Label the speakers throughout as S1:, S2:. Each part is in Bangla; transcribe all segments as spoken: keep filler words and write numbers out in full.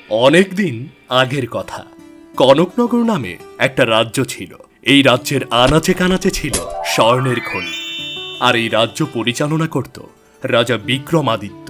S1: অনেক দিন আগের কথা। কনকনগর নামে একটা রাজ্য ছিল। এই রাজ্যের আনাচে কানাচে ছিল স্বর্ণের খনি। আর এই রাজ্য পরিচালনা করত রাজা বিক্রমাদিত্য।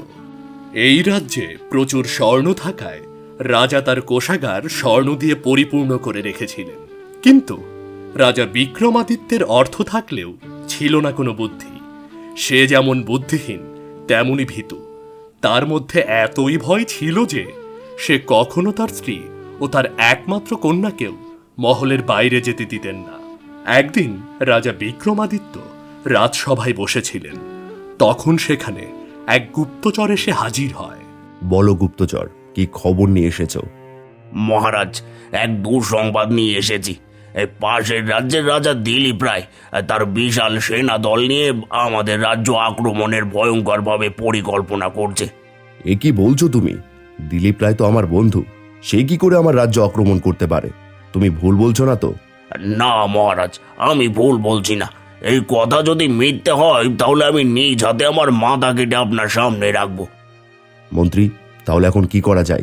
S1: এই রাজ্যে প্রচুর স্বর্ণ থাকায় রাজা তার কোষাগার স্বর্ণ দিয়ে পরিপূর্ণ করে রেখেছিলেন। কিন্তু রাজা বিক্রমাদিত্যের অর্থ থাকলেও ছিল না কোনো বুদ্ধি। সে যেমন বুদ্ধিহীন তেমনই ভীতু। তার মধ্যে এতই ভয় ছিল যে সে কখনো তার স্ত্রী ও তার একমাত্র কন্যাকেও মহলের বাইরে যেতে দিতেন না। একদিন রাজা বিক্রমাদিত্য রাজসভায় বসেছিলেন। তখন সেখানে এক গুপ্তচর এসে হাজির হয়।
S2: বলো গুপ্তচর, কি খবর নিয়ে এসেছো?
S3: মহারাজ, এক দুঃসংবাদ নিয়ে এসেছি। এই পাশের রাজ্যের রাজা দিলীপ রায় তার বিশাল সেনা দল নিয়ে আমাদের রাজ্য আক্রমণের ভয়ঙ্করভাবে পরিকল্পনা করছে।
S2: এ কি বলছো তুমি? দিলীপ রায় তো আমার বন্ধু, সে কি করে আমার রাজ্য আক্রমণ করতে পারে? তুমি ভুল বলছো না তো?
S3: না মহারাজ, আমি ভুল বলছি না। এই কথা যদি মিথ্যে হয় তাহলে আমি নিজ হাতে আমার মাথা কেটে আপনার সামনে রাখবো।
S2: মন্ত্রী, তাহলে এখন কি করা যায়?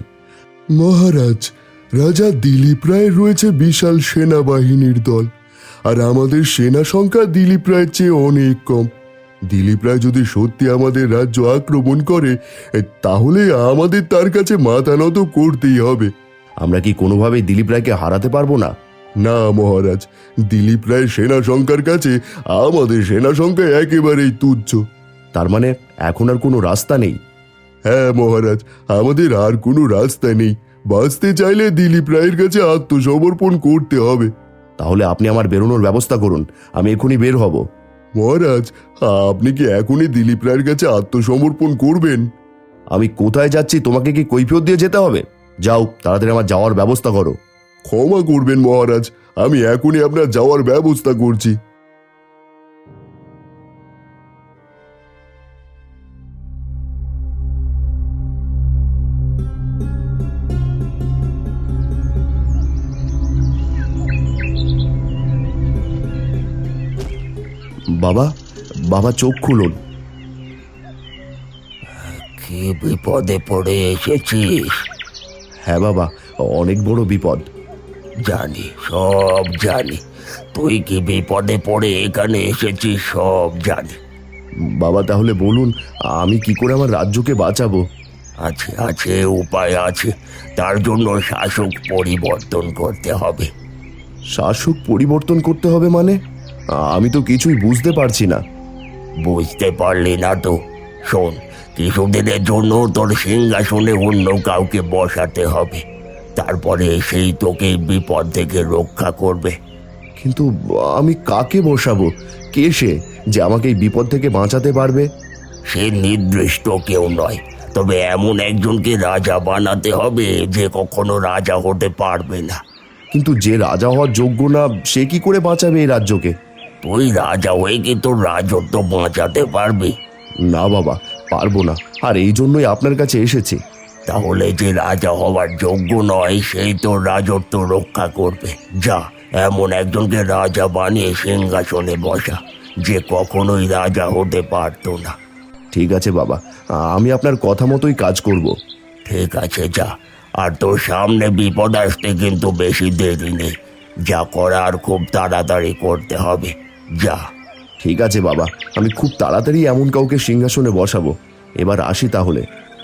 S4: মহারাজ, রাজা দিলীপ রায়ের রয়েছে বিশাল সেনাবাহিনীর দল, আর আমাদের সেনা সংখ্যা দিলীপ রায়ের চেয়ে অনেক কম। দিলীপ রায় যদি সত্যি আমাদের রাজ্য আক্রমণ করে, তাহলে আমাদের তার কাছে মাথা নত করতেই হবে।
S2: আমরা কি কোনোভাবেই দিলীপ রায়কে হারাতে পারবো না?
S4: না মহারাজ, দিলীপ রায়ের সেনা সংখ্যার কাছে আমাদের সেনা সংখ্যা একেবারেই তুচ্ছ।
S2: তার মানে এখন আর কোনো রাস্তা নেই?
S4: হ্যাঁ মহারাজ, আমাদের আর কোনো রাস্তা নেই। বাঁচতে চাইলে দিলীপ রায়ের কাছে আত্মসমর্পণ করতে হবে।
S2: তাহলে আপনি আমার বেরোনোর ব্যবস্থা করুন, আমি এখনই বের হব।
S4: মহারাজ, আপনি কি এখনই দিলীপ রায়ের কাছে আত্মসমর্পণ করবেন?
S2: আমি কোথায় যাচ্ছি তোমাকে কি কৈফিয়ত দিয়ে যেতে হবে? যাও, তাড়াতাড়ি আমার যাওয়ার ব্যবস্থা করো।
S4: ক্ষমা করবেন মহারাজ, আমি এখনই আপনার যাওয়ার ব্যবস্থা করছি।
S2: বাবা, বাবা চোখ খুলুন।
S3: কি বিপদে পড়ে এসেছিস?
S2: হ্যাঁ বাবা, অনেক বড় বিপদ।
S3: জানি, সব জানি। তুই কি বিপদে পড়ে এখানে এসেছিস সব জানি।
S2: বাবা তাহলে বলুন, আমি কি করে আমার রাজ্যকে বাঁচাবো?
S3: আছে আছে উপায় আছে। তার জন্য শাসক পরিবর্তন করতে হবে।
S2: শাসক পরিবর্তন করতে হবে মানে? আমি তো কিছুই বুঝতে পারছি না।
S3: বুঝতে পারলি না তো? শোন, কিছুদিনের জন্য তোর সিংহাসনে অন্য কাউকে বসাতে হবে। তারপরে সেই তোকে বিপদ থেকে রক্ষা করবে।
S2: কিন্তু আমি কাকে বসাবো? কে সে যে আমাকে এই বিপদ থেকে বাঁচাতে পারবে?
S3: সে নির্দিষ্ট কেউ নয়, তবে এমন একজনকে রাজা বানাতে হবে যে কখনো রাজা হতে পারবে না।
S2: কিন্তু যে রাজা হওয়ার যোগ্য না, সে কি করে বাঁচাবে এই রাজ্যকে?
S3: তুই রাজা হয়ে কি তোর রাজত্ব বাঁচাতে পারবি?
S2: না বাবা, পারবো না। আর এই জন্যই আপনার কাছে এসেছি।
S3: তাহলে যে রাজা হওয়ার যোগ্য নয় সেই তোর রাজত্ব রক্ষা করবে। যা, এমন একজনকে রাজা বানিয়ে সিংহাসনে বসা যে কখনোই রাজা হতে পারতো না।
S2: ঠিক আছে বাবা, আমি আপনার কথা মতোই কাজ করব।
S3: ঠিক আছে, যা। আর তোর সামনে বিপদ আসতে কিন্তু বেশি দেরি নেই। যা করার খুব তাড়াতাড়ি করতে হবে। যা।
S2: ঠিক আছে বাবা, আমি খুব তাড়াতাড়ি এমন কাউকে সিংহাসনে বসাবো। এবার আসি তাহলে।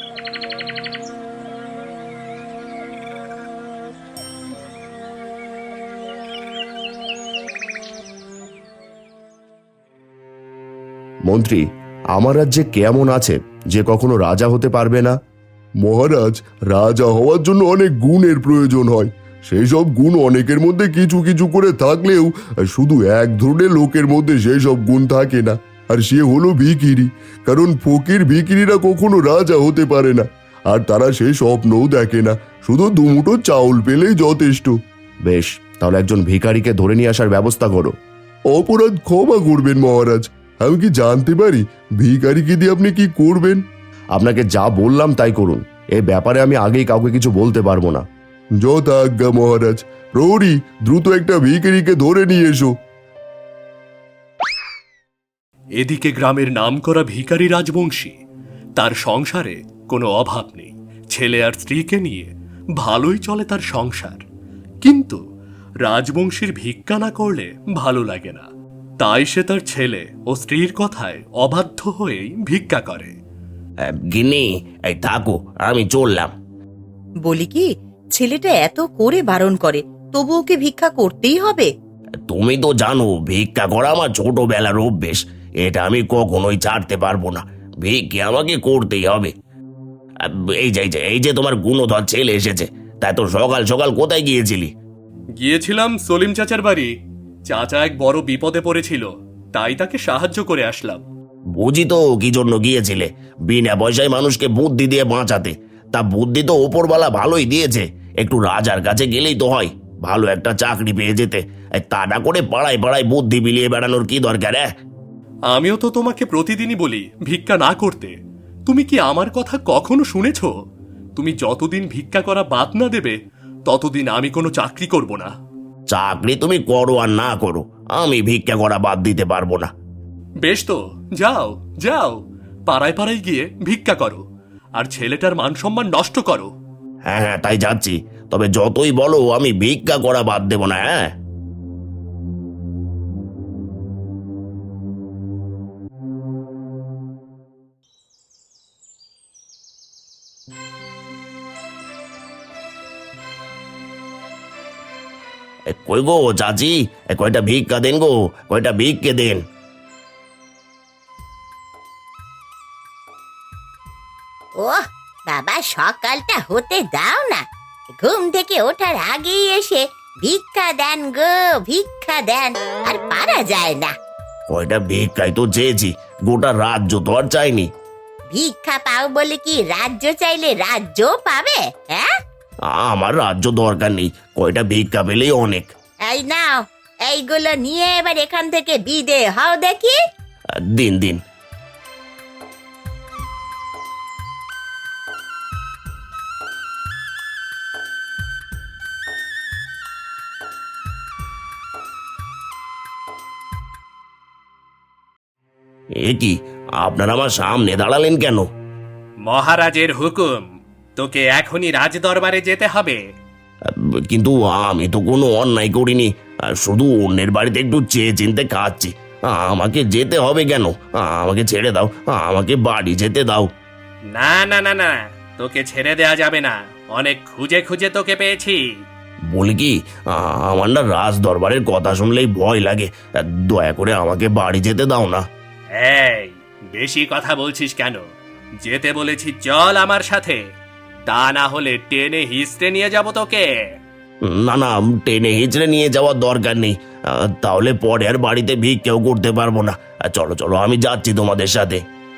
S2: মন্ত্রী, আমার রাজ্যে কেমন আছে যে কখনো রাজা হতে পারবে না?
S4: মহারাজ, রাজা হওয়ার জন্য অনেক গুণের প্রয়োজন হয়। সেই সব গুণ অনেকের মধ্যে কিছু কিছু করে থাকলেও শুধু এক ধরনের লোকের মধ্যে সেই সব গুণ থাকে না, আর সে হলো ভিখিরি। কারণ ফকির ভিখিরিরা কখনো রাজা হতে পারে না, আর তারা সেই স্বপ্নও দেখে না। শুধু দুমুঠো চাউল পেলেই যথেষ্ট।
S2: বেশ, তাহলে একজন ভিখারিকে ধরে নিয়ে আসার ব্যবস্থা করো।
S4: অপরাধ ক্ষমা করবেন মহারাজ, আমি কি জানতে পারি ভিখারিকে দিয়ে আপনি কি করবেন?
S2: আপনাকে যা বললাম তাই করুন। এই ব্যাপারে আমি আগেই কাউকে কিছু বলতে পারবো না।
S4: যথা আজ্ঞা মহারাজ। প্রহরী, দ্রুত একটা ভিখারিকে ধরে নিয়ে এসো।
S1: এদিকে গ্রামের নামকরা ভিখারি রাজবংশী, তার সংসারে কোনো অভাব নেই। ছেলে আর স্ত্রীকে নিয়ে ভালোই চলে তার সংসার। কিন্তু রাজবংশীর ভিক্ষা না করলে ভালো লাগে না, তাই সে তার ছেলে ও স্ত্রীর কথায় অবাধ্য হয়েই ভিক্ষা করে।
S3: আহ, গিন্নি, এই থাকো, আমি চললাম।
S5: বলি কি, ছেলেটা এত করে বারণ করে, তবু ওকে ভিক্ষা করতেই হবে?
S3: তুমি তো জানো ভিক্ষা করা আমার ছোটবেলার অভ্যেস, এটা আমি কখনোই ছাড়তে পারবো না। ভিক্ষে আমাকে করতেই হবে। আহ, এই যে এই যে এই যে তোমার গুণধর ছেলে এসেছে। তাই তো সকাল সকাল কোথায় গিয়েছিলি?
S1: গিয়েছিলাম সলিম চাচার বাড়ি। চাচা এক বড় বিপদে পড়েছিল, তাই তাকে সাহায্য করে আসলাম।
S3: বুঝি তো কি জন্য গিয়েছিলে, বিনা পয়সায় মানুষকে বুদ্ধি দিয়ে বাঁচাতে। তা বুদ্ধি তো ওপরওয়ালা ভালোই দিয়েছে, একটু রাজার কাছে গেলেই তো হয়, ভালো একটা চাকরি পেয়ে যেতে। এই তা না করে পাড়ায় পাড়ায় বুদ্ধি বিলিয়ে বেড়ানোর কি দরকার? হ্যাঁ,
S1: আমিও তো তোমাকে প্রতিদিনই বলি ভিক্ষা না করতে। তুমি কি আমার কথা কখনো শুনেছ? তুমি যতদিন ভিক্ষা করা বাদ না দেবে, ততদিন আমি কোনো চাকরি করব না।
S3: চাকরি তুমি করো আর না করো, আমি ভিক্ষা করা বাদ দিতে পারবো না।
S1: বেশ তো, যাও যাও, পাড়ায় পাড়ায় গিয়ে ভিক্ষা করো, আর ছেলেটার মান সম্মান নষ্ট করো।
S3: হ্যাঁ হ্যাঁ, তাই যাচ্ছি। তবে যতই বলো আমি ভিক্ষা করা বাদ দেবো না। হ্যাঁ, এ, কই গো চাচি, এ, কয়টা ভিক্ষা দেন গো, কয়টা ভিক্ষে দেন।
S6: ও বাবা, সকালটা হতে দাও না, ঘুম থেকে ওঠার আগেই এসে ভিক্ষা দেন গো, ভিক্ষা দেন, আর পারা যায় না।
S3: কয়টা ভিক্ষাই তো চেয়েছি, গোটা রাজ্য তো আর চাইনি।
S6: ভিক্ষা পাও বলে কি রাজ্য চাইলে রাজ্য পাবে? হ্যাঁ,
S3: আমার রাজ্য দরকার নেই, কয়টা ভিক্ষা পেলেই অনেক।
S6: এই নাও, এইগুলো নিয়ে এবার এখান থেকে বিদে হও দেখি।
S3: আহ, দিন দিন। এ কি, আপনারা আমার সামনে দাঁড়ালেন কেন?
S1: মহারাজের হুকুম, তোকে এখনই রাজদরবারে যেতে হবে।
S3: আহ, কিন্তু আমি তো কোনো অন্যায় করিনি, আহ, শুধু অন্যের বাড়িতে একটু চেয়ে চিনতে খাচ্ছি। আহ, আমাকে যেতে হবে কেন? আহ, আমাকে ছেড়ে দাও, আহ, আমাকে বাড়ি যেতে দাও।
S1: না না না না, তোকে ছেড়ে দেয়া যাবে না, অনেক খুঁজে খুঁজে তোকে পেয়েছি।
S3: বলি কি, আহ, আমার না রাজ দরবারের কথা শুনলেই ভয় লাগে। আহ, দয়া করে আমাকে বাড়ি যেতে দাও না।
S1: এই, বেশি কথা বলছিস কেন? যেতে বলেছি চল আমার সাথে, তা না হলে টেনে হিস্টে নিয়ে যাব তোকে।
S3: না না, টেনে হিচড়ে নিয়ে যাওয়ার দরকার নেই, আহ, তাহলে পরে আর বাড়িতে ভিক্ষেও করতে পারবো না। আহ, চলো চলো, আমি যাচ্ছি তোমাদের সাথে।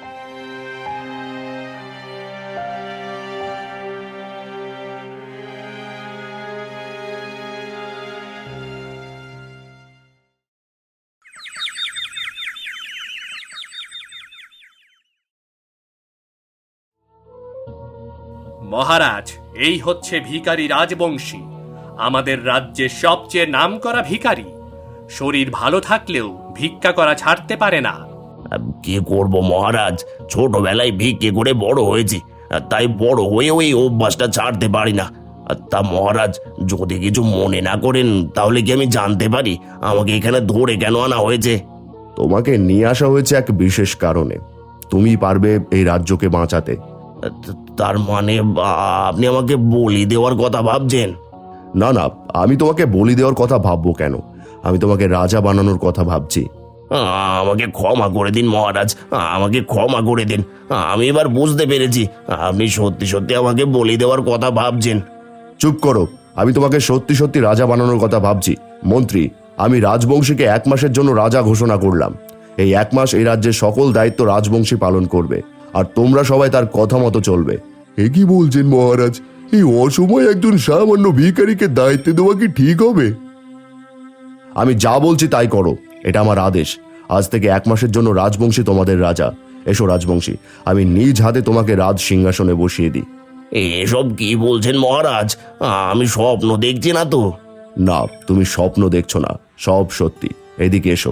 S1: মহারাজ, এই হচ্ছে ভিখারি রাজবংশী, আমাদের রাজ্যের সবচেয়ে নামকরা ভিখারি। শরীর ভালো থাকলেও ভিক্ষা করা ছাড়তে পারে না।
S3: আহ, কি করব মহারাজ, ছোটবেলায় ভিক্ষে করে বড় হয়েছি, আহ, তাই বড় হয়ে ওই অভ্যাসটা ছাড়তে পারি না। আহ, তা মহারাজ, যদি কিছু মনে না করেন, তাহলে কি আমি জানতে পারি আমাকে এখানে ধরে কেন আনা হয়েছে?
S2: তোমাকে নিয়ে আসা হয়েছে এক বিশেষ কারণে। তুমি পারবে এই রাজ্যকে বাঁচাতে।
S3: আহ, তা- তার মানে আ- আপনি আমাকে বলি দেওয়ার কথা ভাবছেন?
S2: না না, আমি তোমাকে বলি দেওয়ার কথা ভাববো কেন? আমি তোমাকে রাজা বানানোর কথা ভাবছি।
S3: আ- আমাকে ক্ষমা করে দিন মহারাজ, আ- আমাকে ক্ষমা করে দিন। আ- আমি এবার বুঝতে পেরেছি আপনি সত্যি সত্যি আমাকে বলি দেওয়ার কথা ভাবছেন।
S2: চুপ করো, আমি তোমাকে সত্যি সত্যি রাজা বানানোর কথা ভাবছি। মন্ত্রী, আমি রাজবংশীকে এক মাসের জন্য রাজা ঘোষণা করলাম। এই এক মাস এই রাজ্যের সকল দায়িত্ব রাজবংশী পালন করবে, আর তোমরা সবাই তার কথা মতো চলবে।
S4: এ কি বলছেন মহারাজ? এই অসময়ে একজন সামান্য ভিখারিকে দায়িত্ব দেওয়া কি ঠিক হবে?
S2: আমি যা বলছি তাই করো, এটা আমার আদেশ। আজ থেকে এক মাসের জন্য রাজবংশী তোমাদের রাজা। এসো রাজবংশী, আমি নিজ হাতে তোমাকে রাজ সিংহাসনে বসিয়ে দিই।
S3: এসব কি বলছেন মহারাজ? আ- আমি স্বপ্ন দেখছি না তো?
S2: না, তুমি স্বপ্ন দেখছো না, সব সত্যি। এদিকে এসো।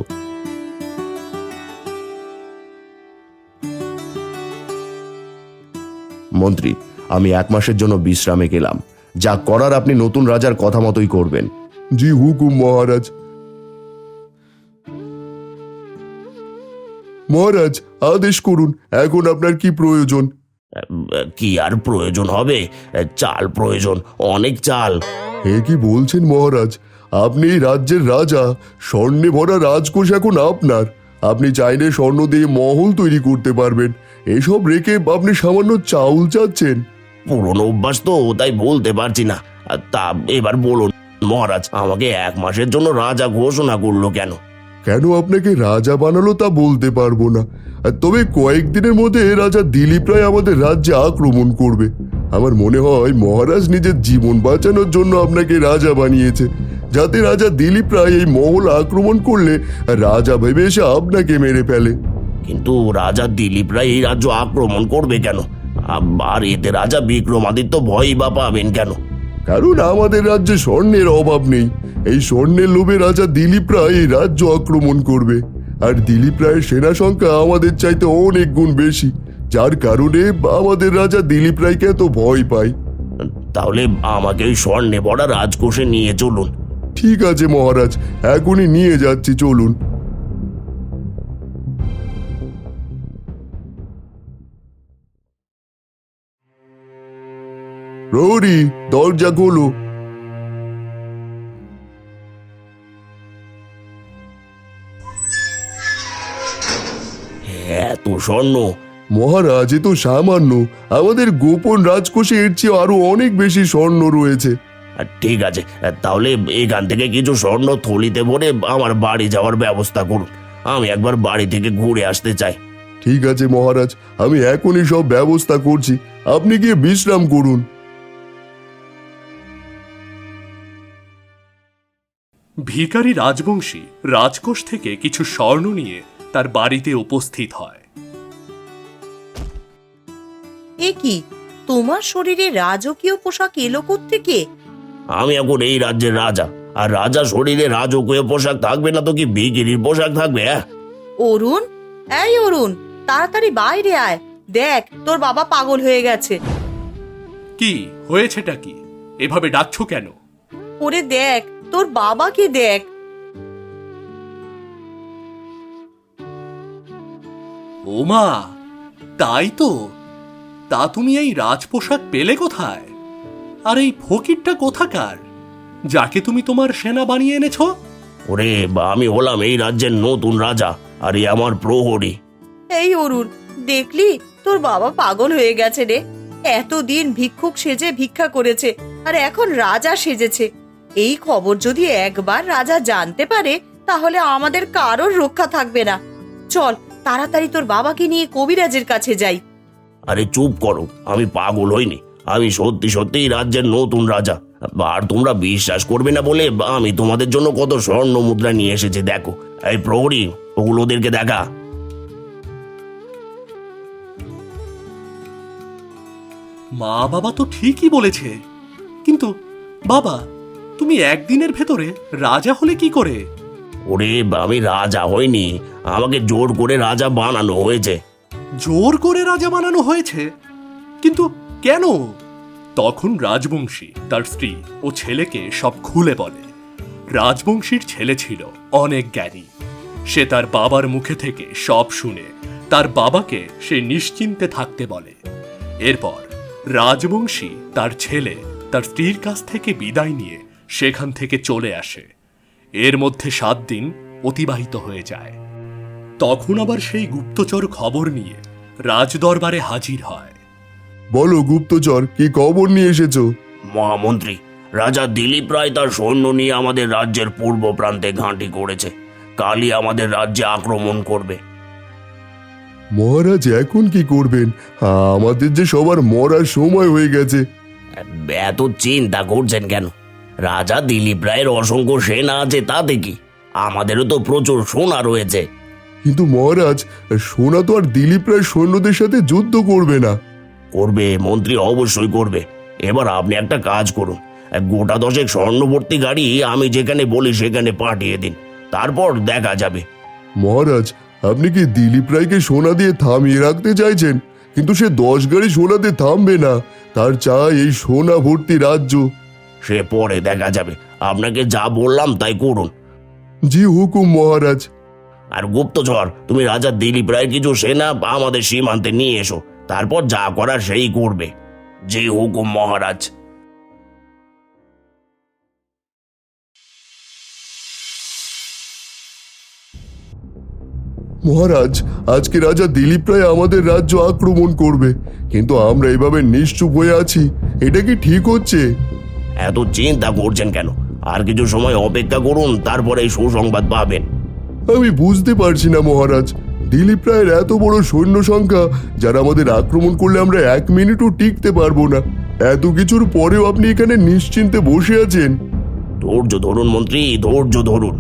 S2: মন্ত্রী, আমি এক মাসের জন্য বিশ্রামে গেলাম। যা করার আপনি নতুন রাজার কথা মতোই করবেন।
S4: জি হুকুম মহারাজ। মহারাজ আদেশ করুন, এখন আপনার কি প্রয়োজন?
S3: কি আর প্রয়োজন হবে, চাল প্রয়োজন, অনেক চাল।
S4: এ কি বলছেন মহারাজ? আপনি এই রাজ্যের রাজা, স্বর্ণে ভরা রাজকোষ এখন আপনার। আপনি চাইলে স্বর্ণ দিয়ে মহল তৈরি করতে পারবেন, এসব রেখে আপনি সামান্য চাউল চাচ্ছেন?
S3: পুরনো অভ্যাস তো, তাই বলতে পারছি না। তা এবার বলুন মহারাজ, আমাকে এক মাসের জন্য রাজা ঘোষণা করলো কেন?
S4: কেন আপনাকে রাজা বানালো তা বলতে পারবো না, তবে কয়েকদিনের মধ্যে রাজা দিলীপ রায় আমাদের রাজ্যে আক্রমণ করবে। আমার মনে হয় মহারাজ নিজের জীবন বাঁচানোর জন্য আপনাকে রাজা বানিয়েছে, যাতে রাজা দিলীপ রায় এই মহল আক্রমণ করলে রাজা ভেবে এসে আপনাকে মেরে ফেলে।
S3: কিন্তু রাজা দিলীপ রায় এই রাজ্য আক্রমণ করবে কেন? আর এতে রাজা বিক্রমাদিত্য ভয়ই বা পাবেন কেন?
S4: কারণ আমাদের রাজ্যে স্বর্ণের অভাব নেই। এই স্বর্ণের লোভে রাজা দিলীপ রায় এই রাজ্য আক্রমণ করবে, আর দিলীপ রায়ের সেনা সংখ্যা আমাদের চাইতে অনেক গুণ বেশি, যার কারণে আমাদের রাজা দিলীপ রায়কে এত ভয় পায়।
S3: তাহলে আমাকে ওই স্বর্ণে ভরা রাজকোষে নিয়ে চলুন।
S4: ঠিক আছে মহারাজ, এখনই নিয়ে যাচ্ছি, চলুন। প্রহরী, দরজা খোলো।
S3: এত স্বর্ণ!
S4: মহারাজ, এ তো সামান্য, আমাদের গোপন রাজকোষে এর চেয়ে আরো অনেক বেশি স্বর্ণ রয়েছে।
S3: আর ঠিক আছে, তাহলে এখান থেকে কিছু স্বর্ণ থলিতে ভরে আমার বাড়ি যাওয়ার ব্যবস্থা করুন। আমি একবার বাড়ি থেকে ঘুরে আসতে চাই।
S4: ঠিক আছে মহারাজ, আমি এখনই সব ব্যবস্থা করছি, আপনি গিয়ে বিশ্রাম করুন।
S1: ভিখারি রাজবংশী রাজকোষ থেকে কিছু স্বর্ণ নিয়ে তার বাড়িতে উপস্থিত হয়।
S5: এ কি, তোমার শরীরে রাজকীয় পোশাক এলো থেকে?
S3: আমি এখন এই রাজ্যের রাজা, আর রাজা শরীরে রাজকীয় পোশাক থাকবে না তো কি ভিখিরির পোশাক থাকবে? হ্যাঁ,
S5: অরুণ, এই অরুণ, তাড়াতাড়ি বাইরে আয়, দেখ তোর বাবা পাগল হয়ে গেছে।
S1: কি হয়েছেটা কি? এভাবে ডাকছো কেন?
S5: ওরে দেখ, তোর বাবাকে দেখ।
S1: ওমা, তাই তো। তা তুমি এই রাজপোশাক পেলে কোথায়? আর এই ফকিরটা কোথাকার, যাকে তুমি তোমার সেনা বানিয়ে এনেছো?
S3: ওরে বা, আমি হলাম এই রাজ্যের নতুন রাজা, আর এই আমার প্রহরী।
S5: এই অরুণ, দেখলি তোর বাবা পাগল হয়ে গেছে রে। এতদিন ভিক্ষুক সেজে ভিক্ষা করেছে, আর এখন রাজা সেজেছে। এই খবর যদি একবার রাজা জানতে পারে, তাহলে আমাদের কারোর রক্ষা থাকবে না। চল তাড়াতাড়ি তোর বাবাকে নিয়ে কবিরাজের কাছে যাই।
S3: আরে চুপ করো, আমি পাগল হইনি, আমি সত্যি সত্যি রাজ্যের নতুন রাজা। আর তোমরা বিশ্বাস করবে না বলে আমি তোমাদের জন্য কত স্বর্ণ মুদ্রা নিয়ে এসেছি, দেখো। এই প্রহরী, ওগুলো ওদেরকে দেখা।
S1: মা বাবা তো ঠিকই বলেছে, কিন্তু বাবা, তুমি একদিনের ভেতরে রাজা হলে কি করে?
S3: ওরে, আমি রাজা হইনি, আমাকে জোর করে রাজা বানানো হয়েছে।
S1: জোর করে রাজা বানানো হয়েছে? কিন্তু কেন? তখন রাজবংশী তার স্ত্রী ও ছেলেকে সব খুলে বলে। রাজবংশীর ছেলে ছিল অনেক জ্ঞানী। সে তার বাবার মুখে থেকে সব শুনে তার বাবাকে সে নিশ্চিন্তে থাকতে বলে। এরপর রাজবংশী তার ছেলে তার স্ত্রীর কাছ থেকে বিদায় নিয়ে সেখান থেকে চলে আসে। এর মধ্যে সাত দিন অতিবাহিত হয়ে যায়। তখন আবার সেই গুপ্তচর খবর নিয়ে রাজদরবারে হাজির হয়।
S4: বলো গুপ্তচর, কি খবর নিয়ে এসেছো?
S3: মহামন্ত্রী, রাজা দিলীপ রায় তার সৈন্য নিয়ে আমাদের রাজ্যের পূর্ব প্রান্তে ঘাঁটি করেছে। কালই আমাদের রাজ্যে আক্রমণ করবে।
S4: মহারাজ এখন কি করবেন? আমাদের যে সবার মরার সময় হয়ে গেছে।
S3: এত চিন্তা করছেন কেন? রাজা দিলীপ রায়ের অসংখ্য সেনা আছে, তাতে কি? আমাদেরও তো প্রচুর সোনা রয়েছে।
S4: কিন্তু মহারাজ, সোনা তো আর দিলীপ রায় সৈন্যদের সাথে যুদ্ধ করবে না।
S3: করবে মন্ত্রী, অবশ্যই করবে। এবার আপনি একটা কাজ করুন, গোটা দশেক স্বর্ণবর্তী গাড়ি আমি যেখানে বলি সেখানে পাঠিয়ে দিন, তারপর দেখা যাবে।
S4: মহারাজ, আপনি কি দিলীপ রায়কে সোনা দিয়ে থামিয়ে রাখতে চাইছেন? কিন্তু সে দশ গাড়ি সোনাতে থামবে না। তার চাই এই সোনা ভর্তি রাজ্য।
S3: সে পরে দেখা যাবে, আপনাকে যা বললাম তাই করুন।
S4: জি হুকুম মহারাজ।
S3: আর গুপ্তচর, তুমি রাজা দিলীপ রায়ের কিছু সেনা আমাদের সীমান্তে নিয়ে এসো, তারপর যা করার সেই করবে। জি হুকুম মহারাজ।
S4: মহারাজ, আজকে রাজা দিলীপ রায় আমাদের রাজ্য আক্রমণ করবে, কিন্তু আমরা এভাবে নিশ্চুপ হয়ে আছি। এটা কি ঠিক হচ্ছে?
S3: এত চিন্তা করছেন কেন? আর কিছু সময় অপেক্ষা করুন, তারপরে এই সুসংবাদ পাবেন।
S4: আমি বুঝতে পারছি না মহারাজ, দিলীপ রায়ের এত বড় সৈন্য সংখ্যা, যারা আমাদের আক্রমণ করলে আমরা এক মিনিটও টিকতে পারবো না। এত কিছুর পরেও আপনি এখানে নিশ্চিন্তে বসে আছেন।
S3: ধৈর্য ধরুন মন্ত্রী, ধৈর্য ধরুন।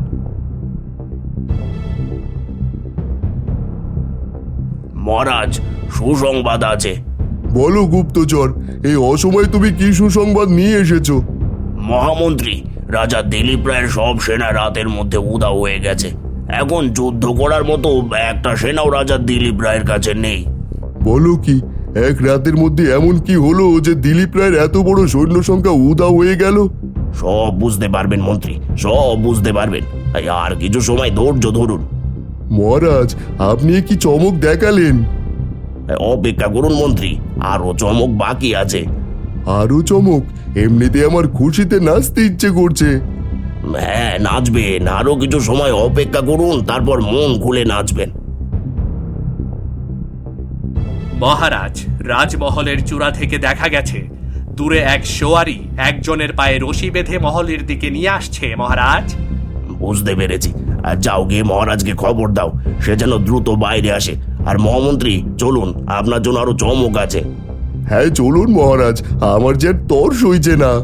S3: মহারাজ, সুসংবাদ আছে।
S4: বলো গুপ্তচর, এই অসময়ে তুমি কি সুসংবাদ নিয়ে এসেছো?
S3: মহামন্ত্রী, রাজা দিলীপ রায়ের সব সেনা রাতের মধ্যে উধাও হয়ে গেছে। এখন যুদ্ধ করার মতো একটা সেনাও রাজা দিলীপ রায়ের কাছে নেই।
S4: বলো কি, এক রাতের মধ্যে এমন কি হলো যে দিলীপ রায়ের এত বড় সৈন্য সংখ্যা উধাও হয়ে গেল?
S3: সব বুঝতে পারবেন মন্ত্রী, সব বুঝতে পারবেন। তাই আর কিছু সময় ধৈর্য ধরুন।
S4: মহারাজ, আপনি এ কি চমক দেখালেন?
S3: অপেক্ষা করুন মন্ত্রী, আরো চমক বাকি আছে।
S4: আরো চমক? এমনিতে আমার খুশিতে নাচতে ইচ্ছে করছে।
S3: হ্যাঁ, নাচবেন। আরো কিছু সময় অপেক্ষা করুন, তারপর মন খুলে নাচবেন।
S1: মহারাজ, রাজমহলের চূড়া থেকে দেখা গেছে দূরে এক সোয়ারি একজনের পায়ে রশি বেঁধে মহলের দিকে নিয়ে আসছে। মহারাজ,
S3: বুঝতে পেরেছি। আর যাও, গিয়ে মহারাজকে খবর দাও, সে যেন দ্রুত বাইরে আসে। আর মহামন্ত্রী, চলুন, আপনার জন্য আরো চমক আছে।
S4: হ্যাঁ চলুন মহারাজ, আমার যে আর তর সইছে না।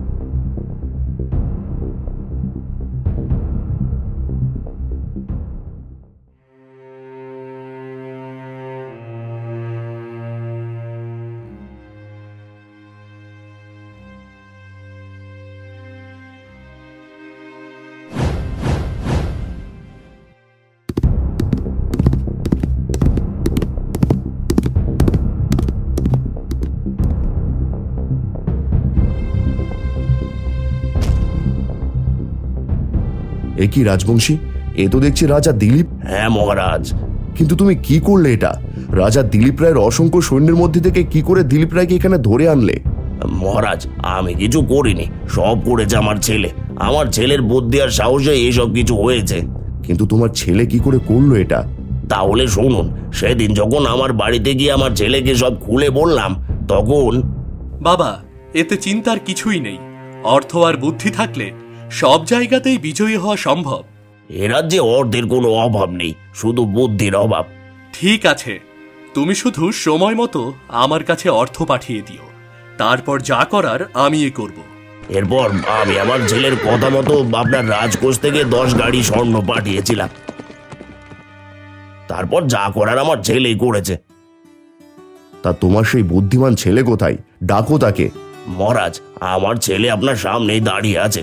S2: এ কি রাজবংশী? এ তো দেখছি রাজা দিলীপ।
S3: হ্যাঁ মহারাজ।
S2: কিন্তু তুমি কি করলে এটা? রাজা দিলীপ রায়ের অসংখ্য সৈন্যের মধ্যে থেকে কি করে দিলীপ রায়কে এখানে ধরে আনলে?
S3: মহারাজ, আমি কিছু করিনি, সব করেছে আমার ছেলে। আমার ছেলের বুদ্ধি আর সাহসে এইসব কিছু হয়েছে।
S2: কিন্তু তোমার ছেলে কি করে করলো এটা?
S3: তাহলে শুনুন, সেদিন যখন আমার বাড়িতে গিয়ে আমার ছেলেকে সব খুলে বললাম, তখন
S1: বাবা, এতে চিন্তার কিছুই নেই। অর্থ আর বুদ্ধি থাকলে সব জায়গাতেই বিজয়ী হওয়া সম্ভব।
S3: এ রাজ্যে অর্থের কোনো অভাব নেই, শুধু বুদ্ধির অভাব।
S1: ঠিক আছে, তুমি শুধু সময় মতো আমার কাছে অর্থ পাঠিয়ে দিও, তারপর যা করার আমি এ করব।
S3: এরপর আমি আমার ছেলের কথা মতো আপনার রাজকোষ থেকে দশ গাড়ি স্বর্ণ পাঠিয়েছিলাম। তারপর যা করার আমার ছেলেই করেছে।
S2: তা তোমার সেই বুদ্ধিমান ছেলে কোথায়? ডাকো তাকে।
S3: মহারাজ, আমার ছেলে আপনার সামনেই দাঁড়িয়ে আছে।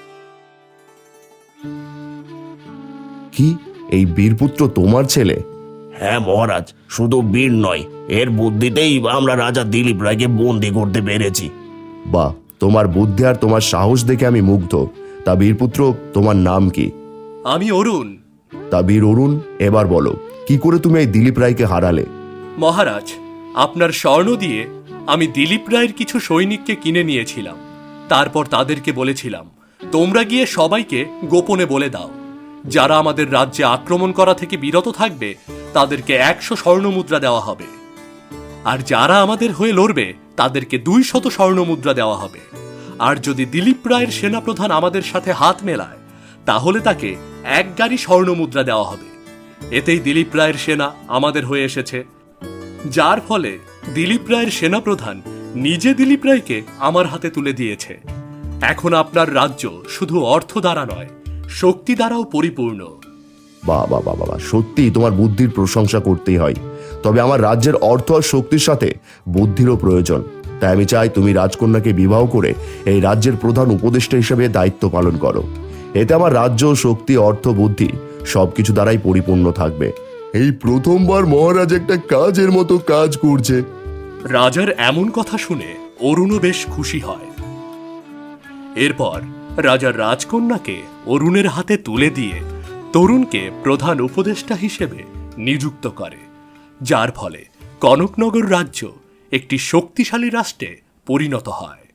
S2: কি, এই বীরপুত্র তোমার ছেলে?
S3: হ্যাঁ মহারাজ, শুধু বীর নয়, এর বুদ্ধিতেই আমরা রাজা দিলীপ রায়কে বন্দি করতে পেরেছি।
S2: বাহ, তোমার বুদ্ধি আর তোমার সাহস দেখে আমি মুগ্ধ। তা বীরপুত্র, তোমার নাম কি?
S1: আমি অরুণ।
S2: তা বীর অরুণ, এবার বলো, কি করে তুমি এই দিলীপ রায়কে হারালে?
S1: মহারাজ, আপনার স্বর্ণ দিয়ে আমি দিলীপ রায়ের কিছু সৈনিককে কিনে নিয়েছিলাম। তারপর তাদেরকে বলেছিলাম, তোমরা গিয়ে সবাইকে গোপনে বলে দাও, যারা আমাদের রাজ্যে আক্রমণ করা থেকে বিরত থাকবে তাদেরকে একশো স্বর্ণ মুদ্রা দেওয়া হবে, আর যারা আমাদের হয়ে লড়বে তাদেরকে দুই শত স্বর্ণ মুদ্রা দেওয়া হবে। আর যদি দিলীপ রায়ের সেনাপ্রধান আমাদের সাথে হাত মেলায়, তাহলে তাকে এক গাড়ি স্বর্ণ মুদ্রা দেওয়া হবে। এতেই দিলীপ রায়ের সেনা আমাদের হয়ে এসেছে, যার ফলে দিলীপ রায়ের সেনাপ্রধান নিজে দিলীপ রায়কে আমার হাতে তুলে দিয়েছে। এখন আপনার রাজ্য শুধু অর্থ দ্বারা নয়, শক্তি দ্বারাও পরিপূর্ণ।
S2: বাহ বাহ বাহ বাহ, সত্যি তোমার বুদ্ধির প্রশংসা করতেই হয়। তবে আমার রাজ্যের অর্থ আর শক্তির সাথে বুদ্ধিরও প্রয়োজন। তাই আমি চাই তুমি রাজকন্যাকে বিবাহ করে এই রাজ্যের প্রধান উপদেষ্টা হিসেবে দায়িত্ব পালন করো। এতে আমার রাজ্য, শক্তি, অর্থ, বুদ্ধি সবকিছু দ্বারাই পরিপূর্ণ থাকবে।
S4: এই প্রথমবার মহারাজ একটা কাজের মতো কাজ করছে।
S1: রাজার এমন কথা শুনে অরুণও বেশ খুশি হয়। এরপর রাজার রাজকন্যাকে অরুণের হাতে তুলে দিয়ে তরুণকে প্রধান উপদেষ্টা হিসেবে নিযুক্ত করে, যার ফলে কনকনগর রাজ্য একটি শক্তিশালী রাষ্ট্রে পরিণত হয়।